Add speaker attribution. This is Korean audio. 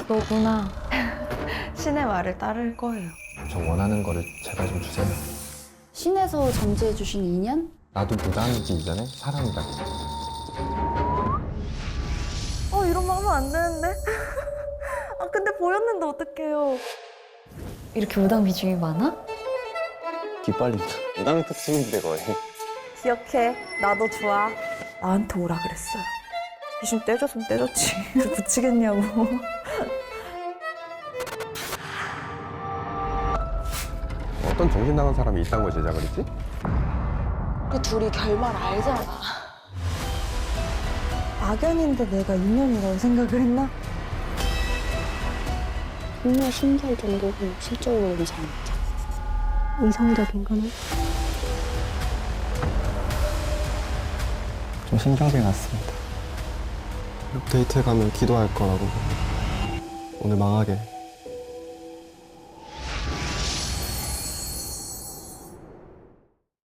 Speaker 1: 너구나. 신의 말을 따를 거예요.
Speaker 2: 저 원하는 거를 제발 좀 주세요.
Speaker 3: 신에서 점지해 주신 인연?
Speaker 2: 나도 무당이기 이전에 사람이다.
Speaker 1: 이러면 하면 안 되는데? 근데 보였는데 어떡해요. 이렇게 무당 비중이 많아?
Speaker 2: 기빨린다. 무당 특징인데 거의.
Speaker 1: 기억해. 나도 좋아. 나한테 오라 그랬어요. 귀신 떼줬으면 떼줬지. 붙이겠냐고.
Speaker 4: 어떤 정신 나간 사람이 이딴 걸 제작을 했지?
Speaker 3: 그 둘이 결말 알잖아.
Speaker 1: 악연인데 내가 인연이라고 생각을 했나?
Speaker 5: 정말 신기할 정도로 실적으로는 잘 맞아. 이성적인 거는?
Speaker 2: 좀 신경이 났습니다.
Speaker 6: 데이트에 가면 기도할 거라고. 오늘 망하게